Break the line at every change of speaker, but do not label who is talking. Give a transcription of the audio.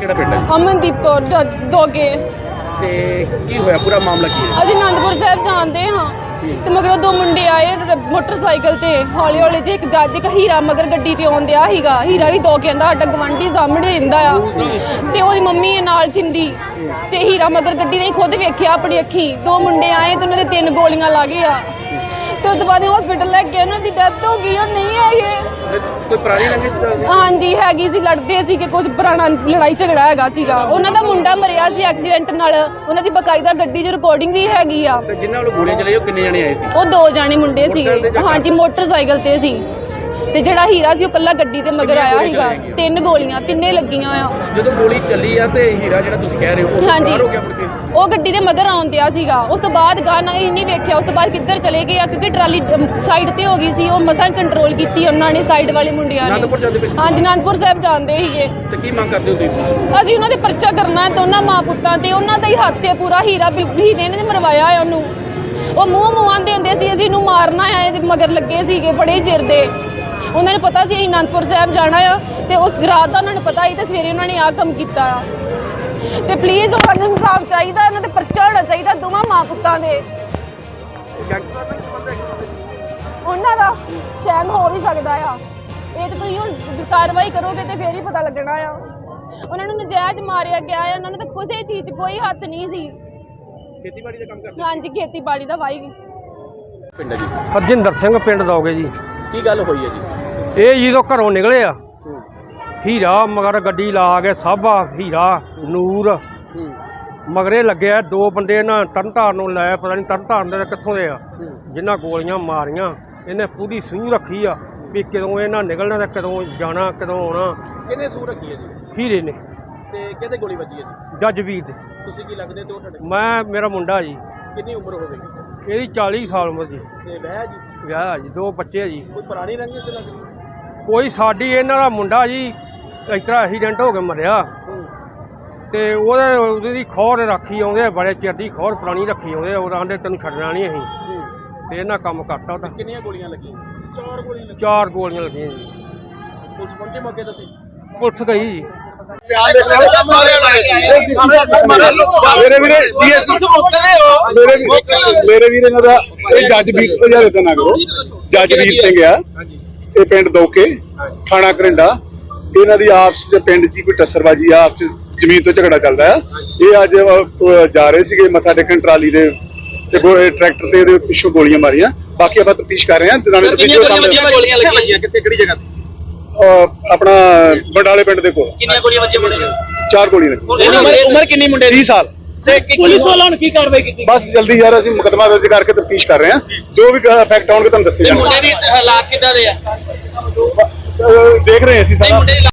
ਕਿਹੜਾ ਪਿੰਡ ਹੈ?
ਅਮਨਦੀਪ ਕੌਰ ਦੋਗੇ।
ਤੇ ਕੀ ਹੋਇਆ, ਪੂਰਾ ਮਾਮਲਾ ਕੀ ਹੈ?
ਅਸੀਂ ਅਨੰਦਪੁਰ ਸਾਹਿਬ ਜਾਂਦੇ ਹਾਂ ਤੇ ਮਗਰੋਂ ਦੋ ਮੁੰਡੇ ਆਏ ਮੋਟਰਸਾਈਕਲ ਤੇ ਹੌਲੀ ਹੌਲੀ ਜੇ ਇੱਕ ਜੱਜ ਇੱਕ ਹੀਰਾ ਮਗਰ ਗੱਡੀ ਤੇ ਆਉਂਦਿਆ ਸੀਗਾ। ਹੀਰਾ ਵੀ ਦੋ ਕਹਿੰਦਾ ਸਾਡਾ ਗਵਾਂਢੀ ਸਾਹਮਣੇ ਰਹਿੰਦਾ ਆ ਤੇ ਉਹਦੀ ਮੰਮੀ ਹੈ ਨਾਲ ਚਿੰਦੀ ਤੇ ਹੀਰਾ ਮਗਰ ਗੱਡੀ ਨੇ ਖੁਦ ਵੇਖਿਆ ਆਪਣੀ ਅੱਖੀ। ਦੋ ਮੁੰਡੇ ਆਏ ਤੇ ਉਹਨਾਂ ਦੇ 3 ਗੋਲੀਆਂ ਲੱਗ ਗਈਆਂ ਤੇ ਉਸ ਤੋਂ ਬਾਅਦ ਹਸਪੀਟਲ ਲੈ ਕੇ ਉਹਨਾਂ ਦੀ ਡੈਥ ਹੋ ਗਈ। ਉਹ ਨਹੀਂ ਹੈਗੇ।
ਕੋਈ ਪੁਰਾਣੀ ਰੰਜਿਸ਼?
ਹਾਂਜੀ ਹੈਗੀ ਸੀ, ਲੜਦੇ ਸੀ ਕਿ ਕੁਝ ਪੁਰਾਣਾ ਲੜਾਈ ਝਗੜਾ ਹੈਗਾ ਸੀਗਾ। ਉਹਨਾਂ ਦਾ ਮੁੰਡਾ ਮਰਿਆ ਸੀ ਐਕਸੀਡੈਂਟ ਨਾਲ। ਉਹਨਾਂ ਦੀ ਬਕਾਇਦਾ ਗੱਡੀ 'ਚ ਰਿਕਾਰਡਿੰਗ ਵੀ ਹੈਗੀ ਆ।
ਤੇ ਜਿਨ੍ਹਾਂ ਵੱਲੋਂ ਗੋਲੀਆਂ ਚਲਾਈ ਉਹ ਕਿੰਨੇ ਜਣੇ ਆਏ ਸੀ?
ਉਹ 2 ਜਾਣੇ ਮੁੰਡੇ ਸੀਗੇ। ਹਾਂਜੀ ਮੋਟਰਸਾਈਕਲ ਤੇ ਸੀ ਤੇ ਜਿਹੜਾ ਹੀਰਾ ਸੀ ਉਹ ਕੱਲਾ ਗੱਡੀ ਤੇ ਮਗਰ ਆਇਆ ਸੀਗਾ। 3 ਗੋਲੀਆਂ ਤਿੰਨੇ ਲੱਗੀਆਂ ਆ।
ਜਦੋਂ ਗੋਲੀ ਚੱਲੀ ਆ ਤੇ ਹੀਰਾ ਜਿਹੜਾ ਤੁਸੀਂ ਕਹਿ ਰਹੇ ਹੋ
ਹਾਂਜੀ
ਹੋ ਗਿਆ ਮੁੜ ਕੇ?
ਉਹ ਗੱਡੀ ਦੇ ਮਗਰ ਆਉਂਦਿਆ ਸੀਗਾ। ਉਸ ਤੋਂ ਬਾਅਦ ਗਾਣਾ ਇਹ ਨਹੀਂ ਵੇਖਿਆ ਉਸ ਤੋਂ ਬਾਅਦ ਕਿੱਧਰ ਚਲੇ ਗਏ ਆ ਕਿਉਂਕਿ ਟਰਾਲੀ ਸਾਈਡ ਤੇ ਹੋ ਗਈ ਸੀ। ਉਹ ਮਸਾਂ ਕੰਟਰੋਲ ਕੀਤੀ ਉਹਨਾਂ ਨੇ ਸਾਈਡ ਵਾਲੇ ਮੁੰਡਿਆਂ ਨੇ।
ਅਨੰਦਪੁਰ ਜਾਂਦੇ ਪਏ ਸੀ?
ਹਾਂਜੀ ਅਨੰਦਪੁਰ ਸਾਹਿਬ ਜਾਂਦੇ ਸੀਗੇ।
ਤੇ ਕੀ ਮੰਗ ਕਰਦੇ ਹੋ ਤੁਸੀਂ?
ਅਸੀਂ ਉਹਨਾਂ ਦੇ ਪਰਚਾ ਕਰਨਾ ਹੈ ਦੋਨਾਂ ਮਾਂ ਪੁੱਤਾਂ ਤੇ। ਉਹਨਾਂ ਦਾ ਹੀ ਹੱਥ ਹੈ ਪੂਰਾ। ਹੀਰੇ ਨੇ ਮਰਵਾਇਆ ਹੈ ਉਹਨੂੰ। ਉਹ ਮੂੰਹ ਆਂਦੇ ਹੁੰਦੇ ਸੀ ਅਸੀਂ ਇਹਨੂੰ ਮਾਰਨਾ ਹੈ। ਇਹਦੇ ਮਗਰ ਲੱਗੇ ਸੀਗੇ ਬੜੇ ਚਿਰ ਦੇ। ਉਹਨਾਂ ਨੂੰ ਪਤਾ ਸੀ ਅਸੀਂ ਅਨੰਦਪੁਰ ਸਾਹਿਬ ਜਾਣਾ ਆ ਤੇ ਉਸ ਰਾਤ ਦਾ ਉਹਨਾਂ ਨੂੰ ਪਤਾ ਸੀ ਤੇ ਸਵੇਰੇ ਉਹਨਾਂ ਨੇ ਆਹ ਕੰਮ ਕੀਤਾ ਆ। ਤੇ ਪਲੀਜ਼ ਉਹਨਾਂ ਨੂੰ ਇਨਸਾਫ ਚਾਹੀਦਾ। ਇਹਨਾਂ ਤੇ ਪਰਚਾ ਹੋਣਾ ਚਾਹੀਦਾ ਦੋਵਾਂ ਮਾਂ ਪੁੱਤਾਂ ਦੇ। ਉਹਨਾਂ ਦਾ ਚੈਨ ਹੋ ਵੀ ਸਕਦਾ ਆ। ਇਹ ਤੇ ਤੁਸੀਂ ਹੁਣ ਕਾਰਵਾਈ ਕਰੋਗੇ ਤੇ ਫੇਰ ਹੀ ਪਤਾ ਲੱਗਣਾ ਆ। ਉਹਨਾਂ ਨੂੰ ਨਜਾਇਜ਼ ਮਾਰਿਆ ਗਿਆ ਆ। ਉਹਨਾਂ ਨੂੰ ਤਾਂ ਕਿਸੇ ਚੀਜ਼ 'ਚ ਕੋਈ ਹੱਥ ਨਹੀਂ ਸੀ।
ਖੇਤੀਬਾੜੀ ਦਾ ਕੰਮ ਕਰਦੇ?
ਹਾਂਜੀ ਖੇਤੀਬਾੜੀ ਦਾ ਵਾਈ
ਪਿੰਡ ਹੈ ਜੀ?
ਹਰਜਿੰਦਰ ਸਿੰਘ ਪਿੰਡ ਦੋਗੇ ਜੀ।
ਕੀ ਗੱਲ ਹੋਈ ਹੈ ਜੀ?
ਇਹ ਜਦੋਂ ਘਰੋਂ ਨਿਕਲੇ ਆ ਹੀਰਾ ਮਗਰ ਗੱਡੀ ਲਾ ਕੇ ਸਾਬਾ ਹੀਰਾ ਨੂਰ ਮਗਰੇ ਲੱਗਿਆ। 2 ਬੰਦੇ ਨਾ ਤਰਨਤਾਰਨ ਨੂੰ ਲਾਇਆ, ਪਤਾ ਨਹੀਂ ਤਰਨਤਾਰਨ ਦੇ ਕਿੱਥੋਂ ਦੇ ਆ, ਜਿਨ੍ਹਾਂ ਗੋਲੀਆਂ ਮਾਰੀਆਂ। ਇਹਨੇ ਪੂਰੀ ਸੂਹ ਰੱਖੀ ਆ ਵੀ ਕਦੋਂ ਇਹਨਾਂ ਨਿਕਲਣਾ ਤੇ ਕਦੋਂ ਜਾਣਾ ਕਦੋਂ ਆਉਣਾ।
ਕਿਹਨੇ ਸੂਹ ਰੱਖੀ ਹੈ ਜੀ?
ਹੀਰੇ ਨੇ।
ਤੇ ਕਿਹਦੇ ਗੋਲੀ ਵੱਜੀ ਹੈ ਜੀ?
ਜੱਜਵੀਰ ਦੇ।
ਤੁਸੀਂ ਕੀ ਲੱਗਦੇ ਤੇ ਉਹ ਤੁਹਾਡੇ?
ਮੇਰਾ ਮੁੰਡਾ ਜੀ।
ਕਿੰਨੀ ਉਮਰ ਹੋਵੇਗੀ?
ਇਹਦੀ 40 ਸਾਲ ਉਮਰ ਜੀ।
ਤੇ ਵਿਆਹ ਜੀ?
ਵਿਆਹ ਜੀ, 2 ਬੱਚੇ ਜੀ।
ਕੋਈ ਪੁਰਾਣੀ ਰੰਜਿਸ਼ ਲੱਗਦੀ?
ਕੋਈ ਸਾਡੀ ਇਹਨਾਂ ਦਾ ਮੁੰਡਾ ਜੀ ਇਸ ਤਰ੍ਹਾਂ ਐਕਸੀਡੈਂਟ ਹੋ ਕੇ ਮਰਿਆ ਤੇ ਉਹਦੀ ਖੋਰ ਰੱਖੀ ਆਉਂਦੇ ਬੜੇ ਚਿਰ ਦੀ ਖੋਰ ਪੁਰਾਣੀ ਰੱਖੀ ਆਉਂਦੇ। ਉਹ ਆਂਦੇ ਤੈਨੂੰ ਛੱਡਣਾ ਨਹੀਂ ਅਸੀਂ ਤੇ ਇਹਨਾਂ ਕੰਮ ਕਰਤਾ ਉਹਦਾ।
ਕਿੰਨੀਆਂ ਗੋਲੀਆਂ ਲੱਗੀਆਂ? 4 ਗੋਲੀਆਂ ਲੱਗੀਆਂ।
4 ਗੋਲੀਆਂ ਲੱਗੀਆਂ ਜੀ।
ਪੁਲਿਸ ਪਹੁੰਚੇ ਮੌਕੇ ਤੇ?
ਪੁਲਿਸ ਗਈ ਜੀ।
ਮੇਰੇ ਵੀਰ ਇਹਨਾਂ ਦਾ ਇਹ ਜੱਜਵੀਰ ਦਾ ਨਾ ਕਰੋ। ਜੱਜਵੀਰ ਸਿੰਘ ਆ ਇਹ ਪਿੰਡ ਦੋਕੇ ਥਾਣਾ ਕਰਿੰਡਾ। ਇਹਨਾਂ ਦੀ ਆਪਸ ਚ ਪਿੰਡ ਦੀ ਕੋਈ ਟੱਸਰਬਾਜੀ ਆਪਸ ਚ ਜ਼ਮੀਨ ਤੋਂ ਝਗੜਾ ਚੱਲਦਾ ਆ। ਇਹ ਅੱਜ ਜਾ ਰਹੇ ਸੀਗੇ ਮੱਥਾ ਟੇਕਣ ਟਰਾਲੀ ਦੇ ਤੇ ਟਰੈਕਟਰ ਤੇ ਇਹਦੇ ਪਿੱਛੋਂ ਗੋਲੀਆਂ ਮਾਰੀਆਂ। ਬਾਕੀ ਆਪਾਂ ਤਫਤੀਸ਼ ਕਰ ਰਹੇ ਹਾਂ।
ਗੋਲੀਆਂ ਲੱਗੀਆਂ ਕਿੱਥੇ, ਕਿਹੜੀ ਜਗ੍ਹਾ ਤੇ?
ਆਪਣਾ ਬਡਾਲੇ ਪਿੰਡ ਦੇ ਕੋਲ।
ਕਿੰਨੀਆਂ ਗੋਲੀਆਂ ਵੱਜੀਆਂ?
4 ਗੋਲੀਆਂ ਲੱਗੀਆਂ।
ਉਮਰ ਕਿੰਨੀ ਮੁੰਡੇ ਦੀ?
30 ਸਾਲ।
ਤੇ ਪੁਲਿਸ ਵਾਲਿਆਂ ਨੇ ਕੀ ਕਾਰਵਾਈ ਕੀਤੀ?
ਬਸ ਜਲਦੀ ਯਾਰ ਅਸੀਂ ਮੁਕੱਦਮਾ ਦਰਜ ਕਰਕੇ ਤਫਤੀਸ਼ ਕਰ ਰਹੇ ਹਾਂ। ਜੋ ਵੀ ਫੈਕਟ ਆਉਣਗੇ ਤੁਹਾਨੂੰ ਦੱਸੇ ਜਾਣਗੇ।
ਮੁੰਡੇ ਦੀ ਹਾਲਾਤ ਕਿੱਦਾਂ ਦੇ ਆ?
ਦੇਖ ਰਹੇ ਹਾਂ ਅਸੀਂ ਸਾਰਾ।